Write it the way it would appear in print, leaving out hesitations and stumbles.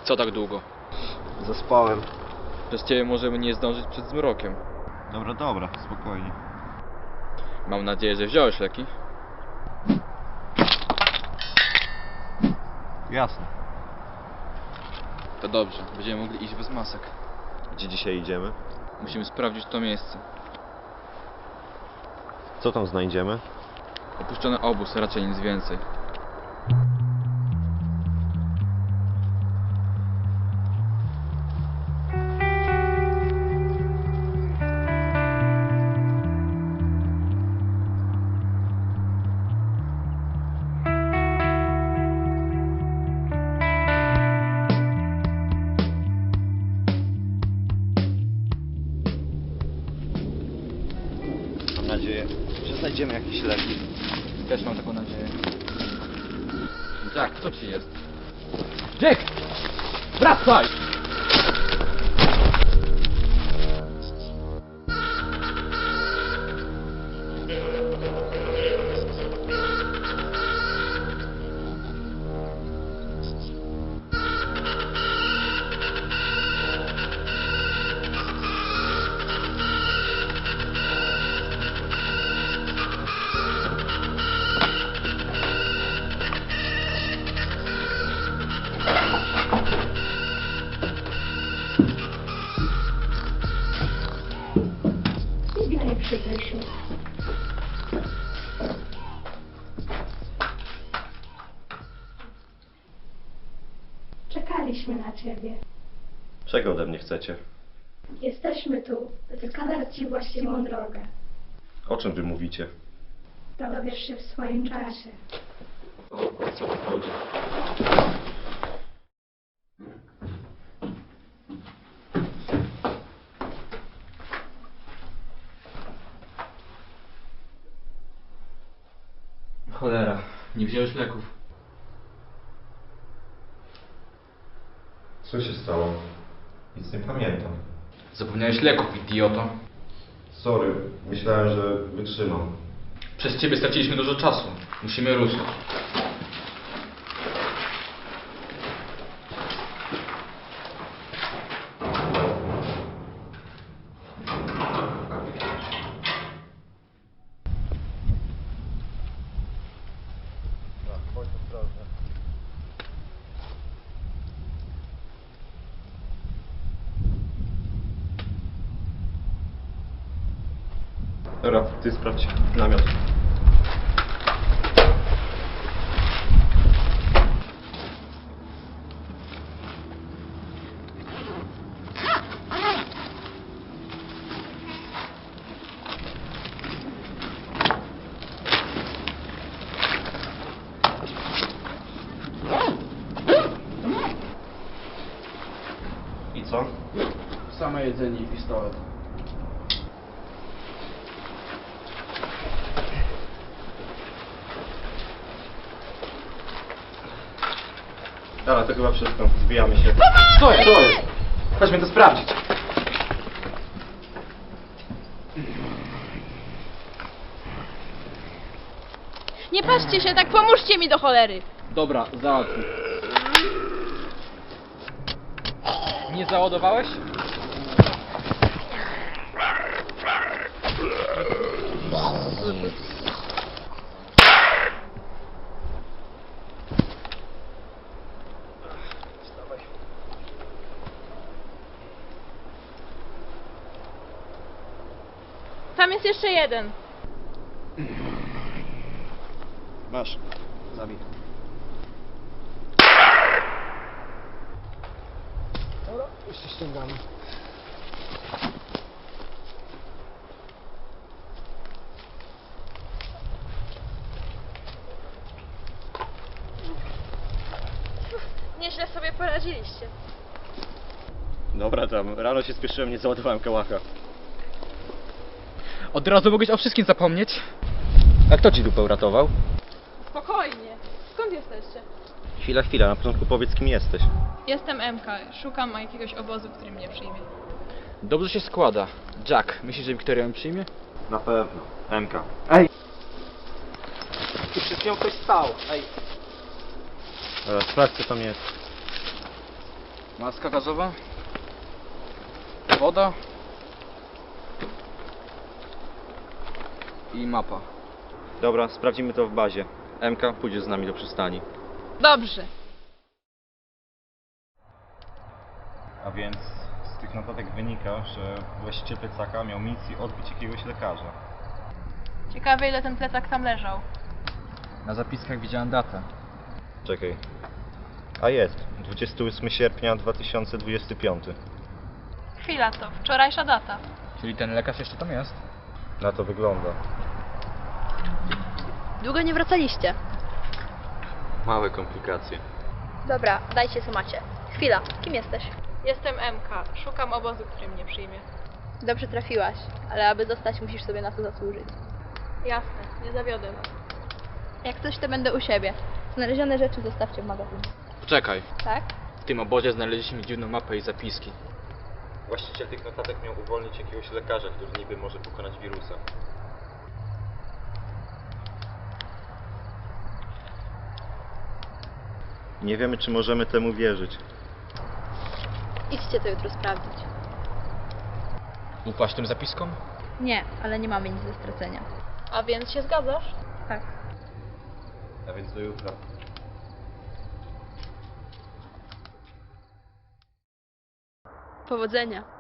Co tak długo? Zaspałem. Przez ciebie możemy nie zdążyć przed zmrokiem. Dobra, spokojnie. Mam nadzieję, że wziąłeś leki. Jasne. To dobrze, będziemy mogli iść bez masek. Gdzie dzisiaj idziemy? Musimy sprawdzić to miejsce. Co tam znajdziemy? Opuszczony obóz, raczej nic więcej. Mam nadzieję, że znajdziemy jakieś leki. Też mam taką nadzieję. Jack, co ci jest? Jack! Wracaj! Nie przyjdę się. Czekaliśmy na ciebie. Czego ode mnie chcecie? Jesteśmy tu, by wskazać ci właściwą drogę. O czym wy mówicie? Dowiesz się w swoim czasie. O co tu chodzi? Cholera, nie wziąłeś leków. Co się stało? Nic nie pamiętam. Zapomniałeś leków, idioto. Sorry, myślałem, że wytrzymam. Przez ciebie straciliśmy dużo czasu. Musimy ruszyć. Bądź ostrożny. Dobra, ty sprawdź namiot. I co? Same jedzenie i pistolet. Dobra, to chyba wszystko. Zbijamy się. Co jest? Chodźmy to sprawdzić. Nie patrzcie się tak, pomóżcie mi do cholery! Dobra, załatwię. Nie załadowałeś? Tam jest jeszcze jeden. Masz. Zabij. Dobra, już się ściągamy. Nieźle sobie poradziliście. Dobra tam, rano się spieszyłem, nie załadowałem kałacha. Od razu mogłeś o wszystkim zapomnieć. A kto ci dupę uratował? Spokojnie. Skąd jesteście? Chwila, na początku powiedz kim jesteś. Jestem MK. Szukam jakiegoś obozu, który mnie przyjmie. Dobrze się składa. Jack, myślisz, że Wiktoria ją przyjmie? Na pewno. MK. Ej! Tu przed nią ktoś stał, ej! Dobra, sprawdź co tam jest. Maska gazowa. Woda. I mapa. Dobra, sprawdzimy to w bazie. MK pójdzie z nami do przystani. Dobrze. A więc z tych notatek wynika, że właściciel plecaka miał misję odbić jakiegoś lekarza. Ciekawe, ile ten plecak tam leżał. Na zapiskach widziałem datę. Czekaj. A jest. 28 sierpnia 2025. Chwila, to wczorajsza data. Czyli ten lekarz jeszcze tam jest? Na to wygląda. Długo nie wracaliście. Małe komplikacje. Dobra, dajcie co macie. Chwila, kim jesteś? Jestem MK. Szukam obozu, który mnie przyjmie. Dobrze trafiłaś, ale aby zostać, musisz sobie na to zasłużyć. Jasne, nie zawiodę was. Jak coś, to będę u siebie. Znalezione rzeczy zostawcie w magazynie. Poczekaj. Tak? W tym obozie znaleźliśmy dziwną mapę i zapiski. Właściciel tych notatek miał uwolnić jakiegoś lekarza, który niby może pokonać wirusa. Nie wiemy, czy możemy temu wierzyć. Idźcie to jutro sprawdzić. Ufasz tym zapiskom? Nie, ale nie mamy nic do stracenia. A więc się zgadzasz? Tak. A więc do jutra. Powodzenia.